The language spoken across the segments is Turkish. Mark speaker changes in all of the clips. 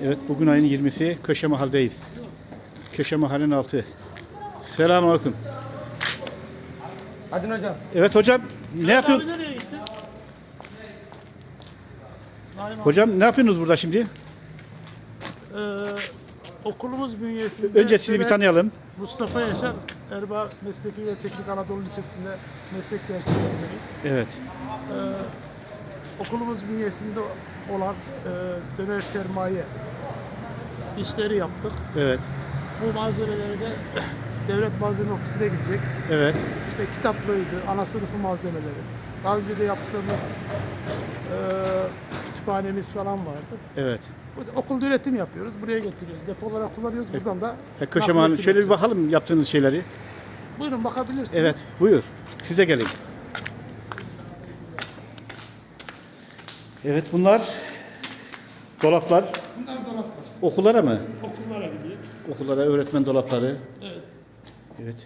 Speaker 1: Evet, bugün ayın 20'si Köşe Mahal'deyiz. Köşe Mahal'in altı. Selamünaleyküm.
Speaker 2: Hadi hocam.
Speaker 1: Evet hocam, ne yapıyorsun?
Speaker 3: Nereye gittin?
Speaker 1: Hocam ne yapıyorsunuz burada şimdi?
Speaker 3: Okulumuz bünyesinde
Speaker 1: Önce sizi bir tanıyalım.
Speaker 3: Mustafa Yaşar Erbaa Mesleki ve Teknik Anadolu Lisesi'nde meslek dersi öğretmeniyim.
Speaker 1: Evet.
Speaker 3: Okulumuz bünyesinde olan döner sermaye işleri yaptık.
Speaker 1: Evet.
Speaker 3: Bu malzemeleri de devlet malzeme ofisine gidecek.
Speaker 1: Evet.
Speaker 3: İşte kitaplığıydı, ana sınıfı malzemeleri. Daha önce de yaptığımız kütüphanemiz falan vardı.
Speaker 1: Evet.
Speaker 3: Okulda üretim yapıyoruz. Buraya getiriyoruz. Depo olarak kullanıyoruz. Buradan da
Speaker 1: Köşe Mahal'in
Speaker 3: nakliyesini
Speaker 1: şöyle bir
Speaker 3: yapacağız.
Speaker 1: bakalım yaptığınız şeyleri.
Speaker 3: Buyurun bakabilirsiniz.
Speaker 1: Evet, buyur. Size gelin. Evet, bunlar dolaplar.
Speaker 3: Bunlar dolaplar.
Speaker 1: Okullara mı?
Speaker 3: Okullara gidiyor.
Speaker 1: Okullara öğretmen dolapları.
Speaker 3: Evet.
Speaker 1: Evet.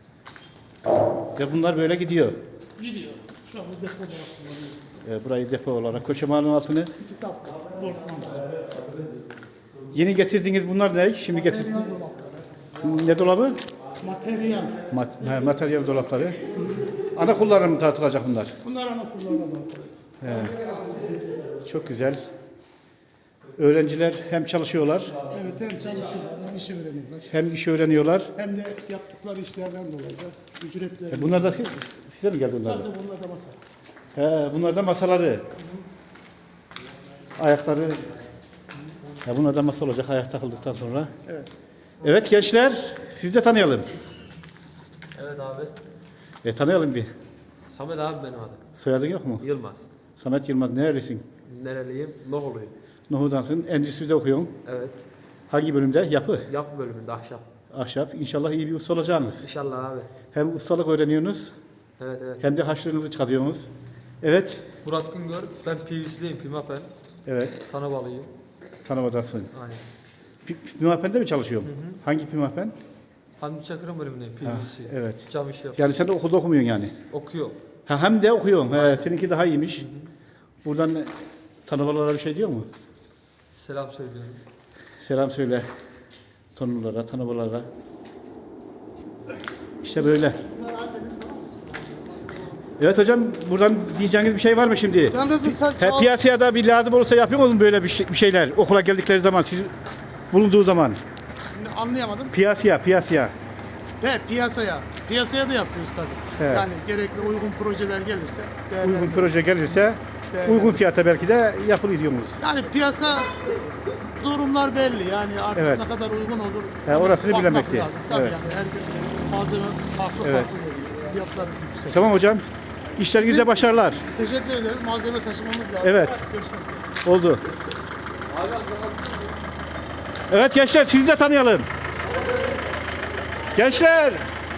Speaker 1: Ve bunlar böyle gidiyor.
Speaker 3: Gidiyor. Şu anda depo olarak kullanıyoruz.
Speaker 1: Burayı depo olarak. Köşe Mahal'in altını.
Speaker 3: Kitap, bortman.
Speaker 1: Yeni getirdiğiniz bunlar ne? Şimdi getir.
Speaker 3: Materyal dolapları.
Speaker 1: Ne dolabı?
Speaker 3: Materyal.
Speaker 1: Materyal dolapları. Ana kullanım mı tartılacak bunlar?
Speaker 3: Bunlar ana kullanılan.
Speaker 1: Çok güzel. Öğrenciler hem çalışıyorlar,
Speaker 3: Evet, hem çalışıyorlar, hem iş öğreniyorlar.
Speaker 1: hem iş öğreniyorlar.
Speaker 3: Hem de yaptıkları işlerden dolayı da ücretleri.
Speaker 1: Bunlar da size mi geldi bunlar da?
Speaker 3: Bunlar da masa.
Speaker 1: Bunlar da masaları. Ayakları. Bunlar da masa olacak ayak takıldıktan sonra.
Speaker 3: Evet.
Speaker 1: Evet gençler, sizi de tanıyalım.
Speaker 2: Evet abi.
Speaker 1: Tanıyalım bir.
Speaker 2: Samet abi benim adım.
Speaker 1: Soyadın yok mu?
Speaker 2: Yılmaz.
Speaker 1: Samet Yılmaz, nerelisin?
Speaker 2: Nereliyim? Nohuluyum.
Speaker 1: Nohudansın, endüstride okuyorsun.
Speaker 2: Evet.
Speaker 1: Hangi bölümde? Yapı.
Speaker 2: Yapı bölümünde ahşap.
Speaker 1: Ahşap. İnşallah iyi bir usta olacaksınız.
Speaker 2: İnşallah abi.
Speaker 1: Hem ustalık öğreniyorsunuz,
Speaker 2: Evet evet.
Speaker 1: hem de haşlığınızı çıkarıyorsunuz. Evet.
Speaker 2: Murat Güngör. Ben PVC'liyim. Pimapen.
Speaker 1: Evet.
Speaker 2: Tanabalıyım.
Speaker 1: Tanımadasın.
Speaker 2: Aynen.
Speaker 1: Pimapen'de mi çalışıyorsun? Hangi Pimapen?
Speaker 2: Hamdi Çakır'ın bölümündeyim. PVC.
Speaker 1: Evet.
Speaker 2: Cam işi yapıyorum.
Speaker 1: Yani sen de okulda okumuyorsun yani.
Speaker 2: Okuyor.
Speaker 1: Hem de okuyorsun. Seninki daha iyiymiş. Buradan tanımalara bir şey diyor mu?
Speaker 2: Selam söylüyorum.
Speaker 1: Selam söyle. Tanımalara. İşte böyle. Evet hocam, buradan diyeceğiniz bir şey var mı şimdi? Piyasaya da bir lazım olursa yapıyor musun böyle bir şeyler? Okula geldikleri zaman, siz bulunduğu zaman.
Speaker 3: Anlayamadım.
Speaker 1: Piyasaya.
Speaker 3: Piyasaya da yapıyoruz tabii.
Speaker 1: Evet.
Speaker 3: Yani gerekli uygun projeler gelirse.
Speaker 1: Uygun proje gelirse, uygun fiyata belki de yapılıyor diyorsunuz.
Speaker 3: Yani piyasa durumlar belli. Yani artık
Speaker 1: Evet.
Speaker 3: ne kadar uygun olur.
Speaker 1: Orasını
Speaker 3: bakmak
Speaker 1: bilemek değil.
Speaker 3: lazım. Tabii
Speaker 1: Evet.
Speaker 3: yani her gün malzeme farklı
Speaker 1: Evet.
Speaker 3: geliyor. Fiyatlar yüksek.
Speaker 1: Tamam hocam. İşlerinizde başarılar.
Speaker 3: Teşekkür ederim. Malzeme taşımamız lazım.
Speaker 1: Evet.
Speaker 3: Görüşmek üzere.
Speaker 1: Oldu. Evet gençler, sizi de tanıyalım. Gençler.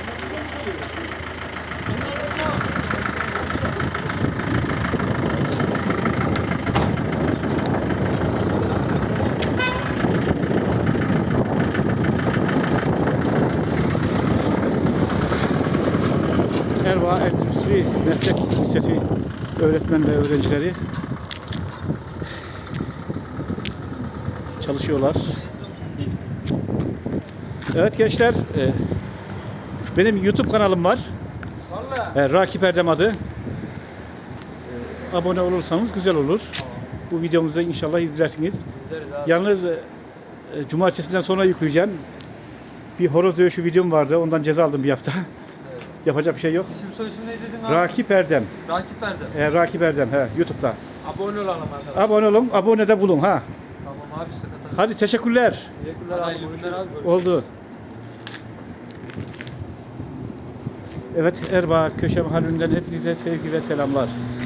Speaker 1: Erbaa Endüstri Meslek Lisesi öğretmen ve öğrencileri çalışıyorlar. Evet gençler, benim YouTube kanalım var. Rakip Erdem adı. Abone olursanız güzel olur. Bu videomuzu inşallah izlersiniz.
Speaker 2: İzleriz abi.
Speaker 1: Yalnız cumartesinden sonra yükleyeceğim. Bir horoz dövüşü videom vardı. Ondan ceza aldım bir hafta. Yapacak bir şey yok.
Speaker 2: İsim soy isim ne dedin abi?
Speaker 1: Rakip Erdem.
Speaker 2: Rakip Erdem.
Speaker 1: Rakip Erdem YouTube'da.
Speaker 2: Abone olalım arkadaşlar.
Speaker 1: Abone olun, abone de bulun ha.
Speaker 2: Tamam abi sıkıntı.
Speaker 1: Hadi teşekkürler.
Speaker 2: Teşekkürler abi. Hayırlı günler abi.
Speaker 1: Oldu. Evet, Erbaa Köşe Mahallinden hepinize sevgi ve selamlar.